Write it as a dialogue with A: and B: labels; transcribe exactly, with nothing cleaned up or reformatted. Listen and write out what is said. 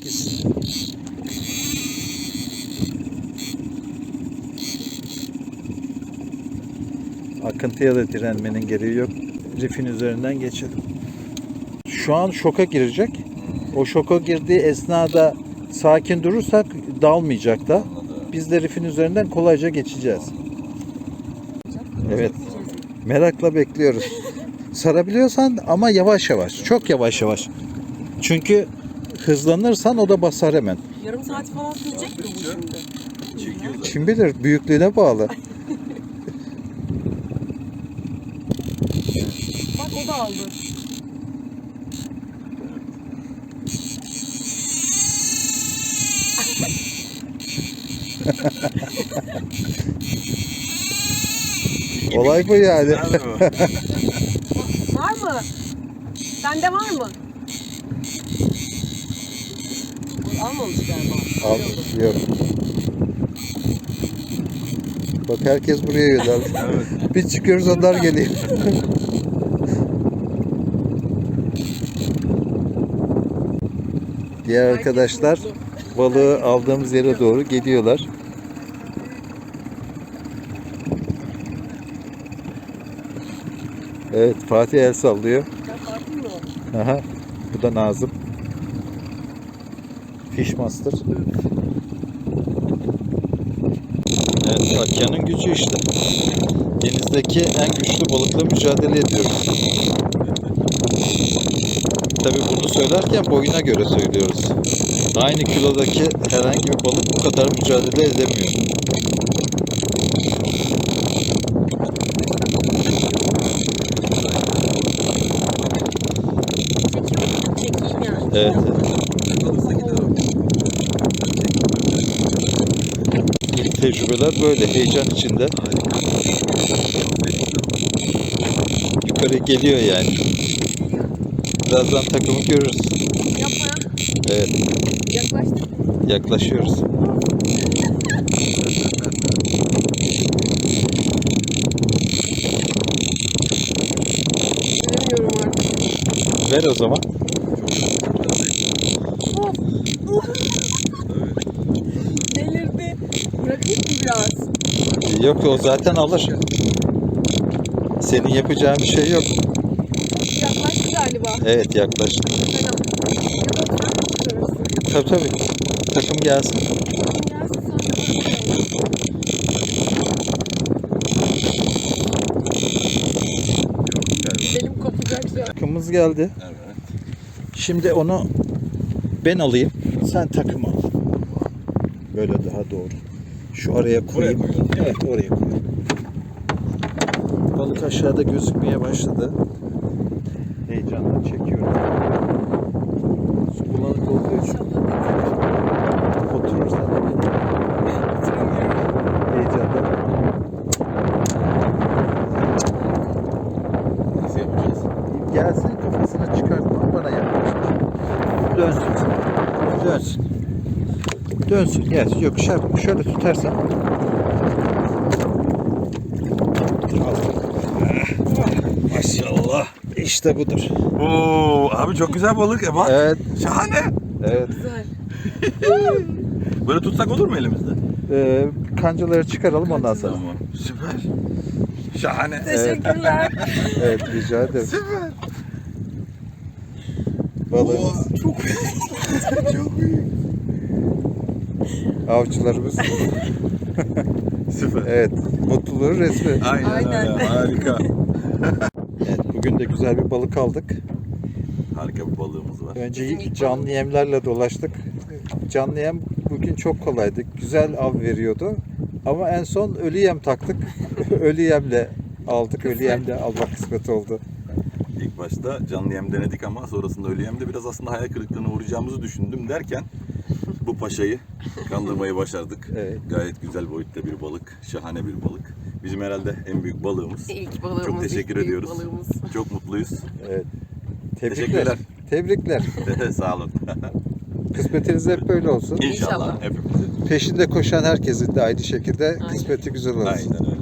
A: Pis. Akıntıya da direnmenin gereği yok. Rifin üzerinden geçelim. Şu an şoka girecek. O şoka girdiği esnada sakin durursak dalmayacak da. Biz de rifin üzerinden kolayca geçeceğiz. Evet. Merakla bekliyoruz. Sarabiliyorsan ama yavaş yavaş. Çok yavaş yavaş. Çünkü hızlanırsan o da basar hemen.
B: Yarım saat falan sürecek mi bu şimdi?
A: Kim bilir, büyüklüğüne bağlı.
B: Bak o da aldı.
A: Olay bu yani.
B: Var mı? Sende var mı? Almamış galiba.
A: Al, yok. Bak herkes buraya yöneldi. Evet. Biz çıkıyoruz, onlar geliyor. Diğer arkadaşlar balığı aldığımız yere doğru geliyorlar. Evet, Fatih el sallıyor. Aha, bu da Nazım. Fishmaster. Evet, Akya'nın gücü işte. Denizdeki en güçlü balıkla mücadele ediyoruz. Tabii bunu söylerken boyuna göre söylüyoruz. Aynı kilodaki herhangi bir balık bu kadar mücadele edemiyor.
B: Çekeyim yani.
A: Evet. İlk tecrübeler böyle, heyecan içinde. Yukarı geliyor yani. Birazdan takımı görürüz.
B: Yapma ya.
A: Evet,
B: Yaklaştık.
A: yaklaşıyoruz.
B: Göremiyorum artık.
A: Ver o zaman.
B: Delirdi. Bırakayım mı biraz?
A: Yok, o zaten alır. Senin yapacağın bir şey yok.
B: Yaklaştı galiba.
A: Evet, yaklaştı.
B: Fena. Ya da sen mi çıkarırsın?
A: Tabii tabii. Takım gelsin.
B: Gelsin sonra bakalım. Benim kopacak şu an.
A: Takımımız geldi.
C: Evet.
A: Şimdi onu ben alayım. Sen takım al. Böyle daha doğru. Şu araya koyayım.
C: Buraya koyuyorum.
A: Evet, oraya koyayım. Balık aşağıda gözükmeye başladı. Heyecanla çekiyorum. Su bulanık olduğu için oturursan da heyecanla.
C: Nasıl yapacağız?
A: Gelsin, kafasını çıkartma, bana yaklaştır. Dönsün. Dönsün. Dönsün, gelsin. Yok, şöyle, şöyle tutarsan.
C: Maşallah.
A: İşte budur.
C: Oo, abi çok güzel balık ya bak.
A: Evet,
C: Şahane.
A: evet.
B: Güzel.
C: Böyle tutsak olur mu elimizde?
A: Ee, kancaları çıkaralım ondan sonra.
C: Tamam. Süper. Şahane.
B: Teşekkürler.
A: Evet, rica ederim.
C: Süper.
A: Balığımız,
C: Çok çok büyük.
A: avcılarımız.
C: Süper.
A: Evet, mutluluğun resmi.
C: Aynen,
B: Aynen.
C: öyle. Harika.
A: Evet, bugün de güzel bir balık aldık.
C: Harika bir balığımız var.
A: Önce canlı yemlerle dolaştık. Canlı yem bugün çok kolaydı. Güzel av veriyordu. Ama en son ölü yem taktık. Ölü yemle aldık. Ölü yemle almak kısmet oldu.
C: İlk başta canlı yem denedik ama sonrasında ölü yemde biraz aslında hayal kırıklığına uğrayacağımızı düşündüm derken bu paşayı kandırmayı başardık.
A: Evet.
C: Gayet güzel boyutta bir balık, şahane bir balık. Bizim herhalde en büyük balığımız.
B: İlk balığımız.
C: Çok teşekkür
B: ilk büyük
C: ediyoruz.
B: balığımız.
C: Çok mutluyuz.
A: Evet. Tebrikler.
C: Teşekkürler.
A: Tebrikler.
C: Sağ olun.
A: Kısmetiniz hep böyle olsun.
C: İnşallah
B: İnşallah.
C: hepimizin.
A: Peşinde koşan herkesin de aynı şekilde
B: Aynen.
A: kısmeti güzel olsun.
C: Aynen öyle.